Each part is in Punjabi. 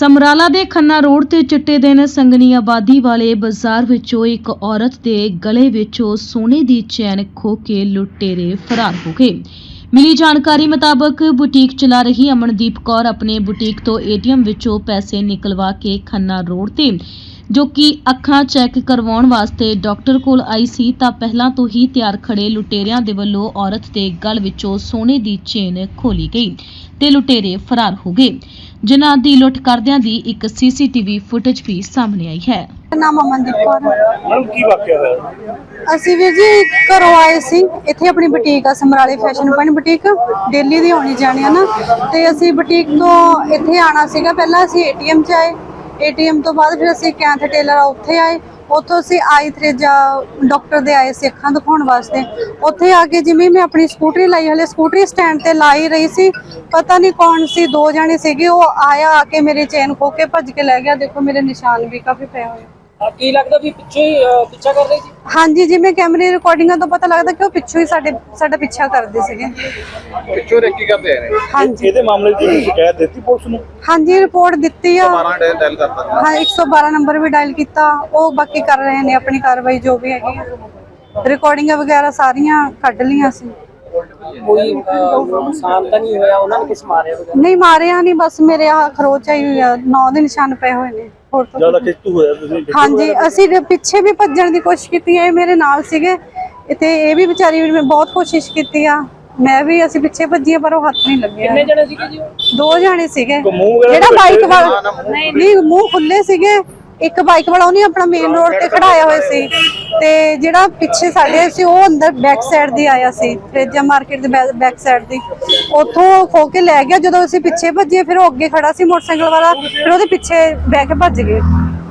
ਸਮਰਾਲਾ ਦੇ ਖੰਨਾ ਰੋਡ ਤੇ ਚਿੱਟੇ ਦਿਨ ਸੰਗਨੀ ਆਬਾਦੀ ਵਾਲੇ ਬਾਜ਼ਾਰ ਵਿੱਚੋਂ ਇੱਕ ਔਰਤ ਦੇ ਗਲੇ ਵਿੱਚੋਂ ਸੋਨੇ ਦੀ ਚੈਨ ਖੋਹ ਕੇ ਲੁਟੇਰੇ ਫਰਾਰ ਹੋ ਗਏ। ਮਿਲੀ ਜਾਣਕਾਰੀ ਮੁਤਾਬਕ ਬੁਟੀਕ ਚਲਾ ਰਹੀ ਅਮਨਦੀਪ ਕੌਰ ਆਪਣੇ ਬੁਟੀਕ ਤੋਂ ਏਟੀਐਮ ਵਿੱਚੋਂ ਪੈਸੇ ਨਿਕਲਵਾ ਕੇ ਖੰਨਾ ਰੋਡ ਤੇ ਜੋ ਕਿ ਅੱਖਾਂ ਚੈੱਕ ਕਰਵਾਉਣ ਵਾਸਤੇ ਡਾਕਟਰ ਕੋਲ ਆਈ ਸੀ ਤਾਂ ਪਹਿਲਾਂ ਤੋਂ ਹੀ ਤਿਆਰ ਖੜੇ ਲੁਟੇਰਿਆਂ ਦੇ ਵੱਲੋਂ ਔਰਤ ਦੇ ਗਲ ਵਿੱਚੋਂ ਸੋਨੇ ਦੀ ਚੇਨ ਖੋਲੀ ਗਈ ਤੇ ਲੁਟੇਰੇ ਫਰਾਰ ਹੋ ਗਏ, ਜਿਨ੍ਹਾਂ ਦੀ ਲੁੱਟ ਕਰਦਿਆਂ ਦੀ ਇੱਕ ਸੀਸੀਟੀਵੀ ਫੁਟੇਜ ਵੀ ਸਾਹਮਣੇ ਆਈ ਹੈ। ਨਾਮ ਅਮਨਦੀਪ ਕੌਰ ਹੈ। ਮੈਡਮ ਕੀ ਵਾਕਿਆ ਹੋਇਆ? ਅਸੀਂ ਵੀਰ ਜੀ ਘਰੋਂ ਆਏ ਸੀ, ਇੱਥੇ ਆਪਣੀ ਬੁਟੀਕ ਆ ਸਮਰਾਲੇ ਫੈਸ਼ਨ ਪੁਆਇੰਟ ਬੁਟੀਕ, ਦਿੱਲੀ ਦੀ ਆਉਣੀ ਜਾਣੀ ਆ ਨਾ, ਤੇ ਅਸੀਂ ਬੁਟੀਕ ਤੋਂ ਇੱਥੇ ਆਣਾ ਸੀਗਾ। ਪਹਿਲਾਂ ਅਸੀਂ ਏਟੀਐਮ 'ਚ ਆਏ, ਏਟੀਐਮ ਤੋਂ ਬਾਅਦ ਫਿਰ ਅਸੀਂ ਕੈਂਥ ਟੇਲਰ ਆ ਉੱਥੇ ਆਏ, ਉੱਥੋਂ ਅਸੀਂ ਆਈ ਥਰੇਜਾ ਡਾਕਟਰ ਦੇ ਆਏ ਸੀ ਅੱਖਾਂ ਦਿਖਾਉਣ ਵਾਸਤੇ। ਉੱਥੇ ਆ ਕੇ ਜਿਵੇਂ ਮੈਂ ਆਪਣੀ ਸਕੂਟਰੀ ਲਾਈ, ਹਲੇ ਸਕੂਟਰੀ ਸਟੈਂਡ ਤੇ ਲਾਈ ਰਹੀ ਸੀ, ਪਤਾ ਨਹੀਂ ਕੌਣ ਸੀ, ਦੋ ਜਾਣੇ ਸੀਗੇ, ਉਹ ਆਇਆ ਆ ਕੇ ਮੇਰੀ ਚੇਨ ਖੋਹ ਕੇ ਭੱਜ ਕੇ ਲੈ ਗਿਆ। ਦੇਖੋ ਮੇਰੇ ਨਿਸ਼ਾਨ ਵੀ ਕਾਫੀ ਪਏ ਹੋਏ। ਕੀ ਲੱਗਦਾ ਵੀ ਪਿੱਛਾ ਕਰ ਰਹੀ ਸੀ? ਹਾਂਜੀ, ਜਿਵੇਂ ਕੈਮਰੇ ਰਿਕਾਰਡਿੰਗਾਂ ਤੋਂ ਪਤਾ ਲੱਗਦਾ ਕਿ ਉਹ ਪਿੱਛੋਂ ਹੀ ਸਾਡਾ ਪਿੱਛਾ ਕਰਦੇ ਸੀਗੇ। ਪਿੱਛੋਂ ਰੇਕੀ ਕਰਦੇ ਆ ਨੇ। ਹਾਂਜੀ, ਇਹਦੇ ਮਾਮਲੇ ਦੀ ਸ਼ਿਕਾਇਤ ਦਿੱਤੀ ਪੁਲਿਸ ਨੂੰ? ਹਾਂਜੀ ਰਿਪੋਰਟ ਦਿੱਤੀ ਆ। 12 ਡਾਇਲ ਕਰਤਾ। ਹਾਂ 112 ਨੰਬਰ ਵੀ ਡਾਇਲ ਕੀਤਾ, ਉਹ ਬਾਕੀ ਕਰ ਰਹੇ ਨੇ ਆਪਣੀ ਕਾਰਵਾਈ ਜੋ ਵੀ ਹੈਗੀ ਆ। ਰਿਕਾਰਡਿੰਗਾਂ ਵਗੈਰਾ ਸਾਰੀਆਂ ਕੱਢ ਲੀਆਂ ਸੀ। ਕੋਈ ਨੁਕਸਾਨ ਤਾਂ ਨਹੀਂ ਹੋਇਆ? ਉਹਨਾਂ ਨੇ ਕਿਸ ਮਾਰਿਆ ਵਗੈਰਾ? ਨਹੀਂ ਮਾਰਿਆ ਨਹੀਂ, ਬਸ ਮੇਰੇ ਆ ਖਰੋਚ ਆਈ ਹੋਈ ਆ, 9 ਦੇ ਨਿਸ਼ਾਨ ਪਏ ਹੋਏ ਨੇ। ਹੋਰ ਤਾਂ ਜਿਆਦਾ ਖਿੱਚੂ ਹੋਇਆ ਤੁਸੀਂ? ਹਾਂਜੀ, ਅਸੀਂ ਪਿੱਛੇ ਵੀ ਭੱਜਣ ਦੀ ਕੋਸ਼ਿਸ਼ ਕੀਤੀ ਹੈ, ਇਹ ਮੇਰੇ ਨਾਲ ਸੀਗੇ ਤੇ ਇਹ ਵੀ ਵਿਚਾਰੀ ਵੀ ਬਹੁਤ ਕੋਸ਼ਿਸ਼ ਕੀਤੀ ਆ, ਮੈਂ ਵੀ, ਅਸੀਂ ਪਿੱਛੇ ਭੱਜੀਆਂ ਪਰ ਉਹ ਹੱਥ ਨਹੀਂ ਲੱਗਿਆ। ਕਿੰਨੇ ਜਣੇ ਸੀਗੇ ਜੀ? 2 ਜਾਣੇ ਸੀਗੇ। ਜਿਹੜਾ ਜਿਹੜਾ ਬਾਈਕ ਵਾਲਾ ਨਹੀਂ, ਮੂੰਹ ਖੁੱਲੇ ਸੀਗੇ। ਇੱਕ ਬਾਈਕ ਵਾਲਾ ਉਹਨੇ ਆਪਣਾ ਮੇਨ ਰੋਡ ਤੇ ਖੜਾਇਆ ਹੋਇਆ ਸੀ, ਤੇ ਜਿਹੜਾ ਪਿੱਛੇ ਸਾਡੇ ਸੀ ਉਹ ਅੰਦਰ ਬੈਕ ਸਾਈਡ ਦੀ ਆਇਆ ਸੀ, ਫਰੇਜਾ ਮਾਰਕੀਟ ਦੇ ਬੈਕ ਸਾਈਡ ਦੀ, ਉੱਥੋਂ ਖੋ ਕੇ ਲੈ ਗਿਆ। ਜਦੋਂ ਅਸੀਂ ਪਿੱਛੇ ਭੱਜੇ ਫਿਰ ਉਹ ਅੱਗੇ ਖੜਾ ਸੀ ਮੋਟਰਸਾਈਕਲ ਵਾਲਾ, ਫਿਰ ਉਹਦੇ ਪਿੱਛੇ ਬਹਿ ਕੇ ਭੱਜ ਗਏ।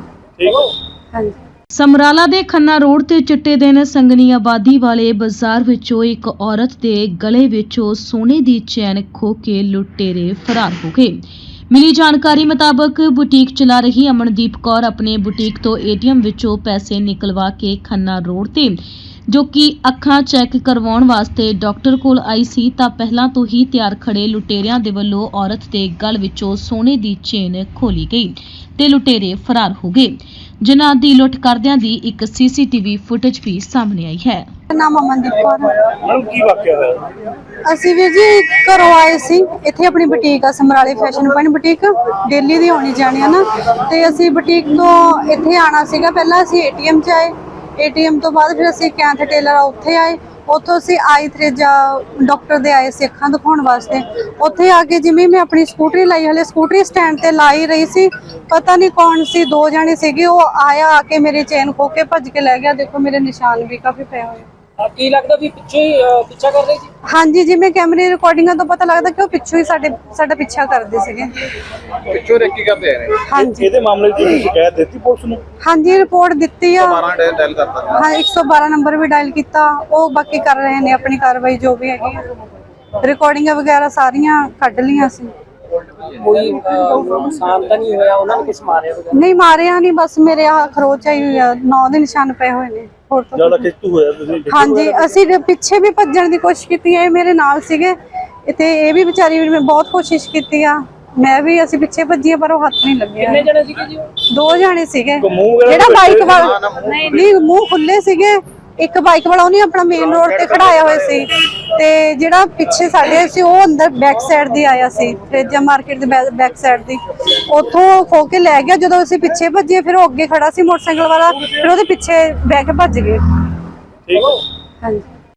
ਹਾਂਜੀ। ਸਮਰਾਲਾ ਦੇ ਖੰਨਾ ਰੋਡ ਤੇ ਚਿੱਟੇ ਦਿਨ ਸੰਗਨੀ ਆਬਾਦੀ ਵਾਲੇ ਬਾਜ਼ਾਰ ਵਿੱਚੋਂ ਇੱਕ ਔਰਤ ਦੇ ਗਲੇ ਵਿੱਚੋਂ ਸੋਨੇ ਦੀ ਚੈਨ ਖੋਹ ਕੇ ਲੁਟੇਰੇ ਫਰਾਰ ਹੋ ਗਏ। ਮਿਲੀ ਜਾਣਕਾਰੀ ਮੁਤਾਬਕ ਬੁਟੀਕ ਚਲਾ ਰਹੀ ਅਮਨਦੀਪ ਕੌਰ ਆਪਣੇ ਬੁਟੀਕ ਤੋਂ ਏਟੀਐਮ ਵਿੱਚੋਂ ਪੈਸੇ ਨਿਕਲਵਾ ਕੇ ਖੰਨਾ ਰੋਡ ਤੇ ਜੋ ਕਿ ਅੱਖਾਂ ਚੈੱਕ ਕਰਵਾਉਣ ਵਾਸਤੇ ਡਾਕਟਰ ਕੋਲ ਆਈ ਸੀ ਤਾਂ ਪਹਿਲਾਂ ਤੋਂ ਹੀ ਤਿਆਰ ਖੜੇ ਲੁਟੇਰਿਆਂ ਦੇ ਵੱਲੋਂ ਔਰਤ ਦੇ ਗਲ ਵਿੱਚੋਂ ਸੋਨੇ ਦੀ ਚੇਨ ਖੋਲੀ ਗਈ ਤੇ ਲੁਟੇਰੇ ਫਰਾਰ ਹੋ ਗਏ, ਜਿਨ੍ਹਾਂ ਦੀ ਲੁੱਟ ਕਰਦਿਆਂ ਦੀ ਇੱਕ ਸੀਸੀਟੀਵੀ ਫੁਟੇਜ ਵੀ ਸਾਹਮਣੇ ਆਈ ਹੈ। ਨਾਮ ਅਮਨਦੀਪ ਕੌਰ ਹੈ। ਮੈਡਮ ਕੀ ਵਾਕਿਆ ਹੋਇਆ? ਅਸੀਂ ਵੀਰ ਜੀ ਘਰੋਂ ਆਏ ਸੀ, ਇੱਥੇ ਆਪਣੀ ਬੁਟੀਕ ਆ ਸਮਰਾਲੇ ਫੈਸ਼ਨ ਪੁਆਇੰਟ ਬੁਟੀਕ, ਦਿੱਲੀ ਦੀ ਆਉਣੀ ਜਾਣੀ ਆ ਨਾ, ਤੇ ਅਸੀਂ ਬੁਟੀਕ ਤੋਂ ਇੱਥੇ ਆਣਾ ਸੀਗਾ। ਪਹਿਲਾਂ ਅਸੀਂ ਏਟੀਐਮ 'ਚ ਆਏ, ਏਟੀਐਮ ਤੋਂ ਬਾਅਦ ਫਿਰ ਅਸੀਂ ਕੈਂਥ ਟੇਲਰ ਆ ਉੱਥੇ ਆਏ, ਉੱਥੋਂ ਅਸੀਂ ਆਈ ਥਰੇਜਾ ਡਾਕਟਰ ਦੇ ਆਏ ਸੀ ਅੱਖਾਂ ਦਿਖਾਉਣ ਵਾਸਤੇ। ਉੱਥੇ ਆ ਕੇ ਜਿਵੇਂ ਮੈਂ ਆਪਣੀ ਸਕੂਟਰੀ ਲਾਈ, ਹਲੇ ਸਕੂਟਰੀ ਸਟੈਂਡ ਤੇ ਲਾਈ ਰਹੀ ਸੀ, ਪਤਾ ਨਹੀਂ ਕੌਣ ਸੀ, 2 ਜਾਣੇ ਸੀਗੇ, ਉਹ ਆਇਆ ਆ ਕੇ ਮੇਰੀ ਚੇਨ ਖੋਹ ਕੇ ਭੱਜ ਕੇ ਲੈ ਗਿਆ। ਦੇਖੋ ਮੇਰੇ ਨਿਸ਼ਾਨ ਵੀ ਕਾਫੀ ਪਏ ਹੋਏ। ਕੀ ਲੱਗਦਾ ਵੀ ਪਿੱਛਾ ਕਰ ਰਹੀ ਸੀ? ਹਾਂਜੀ, ਜਿਵੇਂ ਕੈਮਰੇ ਰਿਕਾਰਡਿੰਗਾਂ ਤੋਂ ਪਤਾ ਲੱਗਦਾ ਕਿ ਉਹ ਪਿੱਛੋਂ ਹੀ ਸਾਡਾ ਪਿੱਛਾ ਕਰਦੇ ਸੀਗੇ। ਪਿੱਛੋਂ ਰੇਕੀ ਕਰਦੇ ਆ ਨੇ। ਹਾਂਜੀ। ਇਹਦੇ ਮਾਮਲੇ ਦੀ ਸ਼ਿਕਾਇਤ ਦਿੱਤੀ ਪੁਲਿਸ ਨੂੰ? ਹਾਂਜੀ ਰਿਪੋਰਟ ਦਿੱਤੀ ਆ। 12 ਡਾਇਲ ਕਰਤਾ। ਹਾਂ 112 ਨੰਬਰ ਵੀ ਡਾਇਲ ਕੀਤਾ, ਉਹ ਬਾਕੀ ਕਰ ਰਹੇ ਨੇ ਆਪਣੀ ਕਾਰਵਾਈ ਜੋ ਵੀ ਹੈਗੀ ਆ। ਰਿਕਾਰਡਿੰਗਾਂ ਵਗੈਰਾ ਸਾਰੀਆਂ ਕੱਢ ਲੀਆਂ ਸੀ। ਕੋਈ ਨੁਕਸਾਨ ਤਾਂ ਨਹੀਂ ਹੋਇਆ? ਉਹਨਾਂ ਨੇ ਕਿਸ ਮਾਰਿਆ ਵਗੈਰਾ? ਨਹੀਂ ਮਾਰਿਆ ਨਹੀਂ, ਬਸ ਮੇਰੇ ਆ ਖਰੋਚ ਆਈ ਹੋਈ ਆ, 9 ਦੇ ਨਿਸ਼ਾਨ ਪਏ ਹੋਏ ਨੇ। ਹੋਰ ਤਾਂ ਜਿਆਦਾ ਖਿੱਚੂ ਹੋਇਆ ਤੁਸੀਂ? ਹਾਂਜੀ, ਅਸੀਂ ਪਿੱਛੇ ਵੀ ਭੱਜਣ ਦੀ ਕੋਸ਼ਿਸ਼ ਕੀਤੀ ਹੈ, ਇਹ ਮੇਰੇ ਨਾਲ ਸੀਗੇ ਤੇ ਇਹ ਵੀ ਵਿਚਾਰੀ ਵੀ ਬਹੁਤ ਕੋਸ਼ਿਸ਼ ਕੀਤੀ ਆ, ਮੈਂ ਵੀ, ਅਸੀਂ ਪਿੱਛੇ ਭੱਜੀਆਂ ਪਰ ਉਹ ਹੱਥ ਨਹੀਂ ਲੱਗਿਆ। ਕਿੰਨੇ ਜਣੇ ਸੀਗੇ ਜੀ? 2 ਜਾਣੇ ਸੀਗੇ। ਜਿਹੜਾ ਜਿਹੜਾ ਬਾਈਕ ਵਾਲਾ ਨਹੀਂ, ਮੂੰਹ ਖੁੱਲੇ ਸੀਗੇ। ਇੱਕ ਬਾਈਕ ਵਾਲਾ ਉਹਨੇ ਆਪਣਾ ਮੇਨ ਰੋਡ ਤੇ ਖੜਾਇਆ ਹੋਇਆ ਸੀ, ਤੇ ਜਿਹੜਾ ਪਿੱਛੇ ਸਾਡੇ ਸੀ ਉਹ ਅੰਦਰ ਬੈਕ ਸਾਈਡ ਦੀ ਆਇਆ ਸੀ, ਫਰੇਜਾ ਮਾਰਕੀਟ ਦੇ ਬੈਕ ਸਾਈਡ ਦੀ, ਉੱਥੋਂ ਖੋ ਕੇ ਲੈ ਗਿਆ। ਜਦੋਂ ਅਸੀਂ ਪਿੱਛੇ ਭੱਜੇ ਫਿਰ ਉਹ ਅੱਗੇ ਖੜਾ ਸੀ ਮੋਟਰਸਾਈਕਲ ਵਾਲਾ, ਫਿਰ ਉਹਦੇ ਪਿੱਛੇ ਬਹਿ ਕੇ ਭੱਜ ਗਏ। ਠੀਕ। ਹਾਂਜੀ।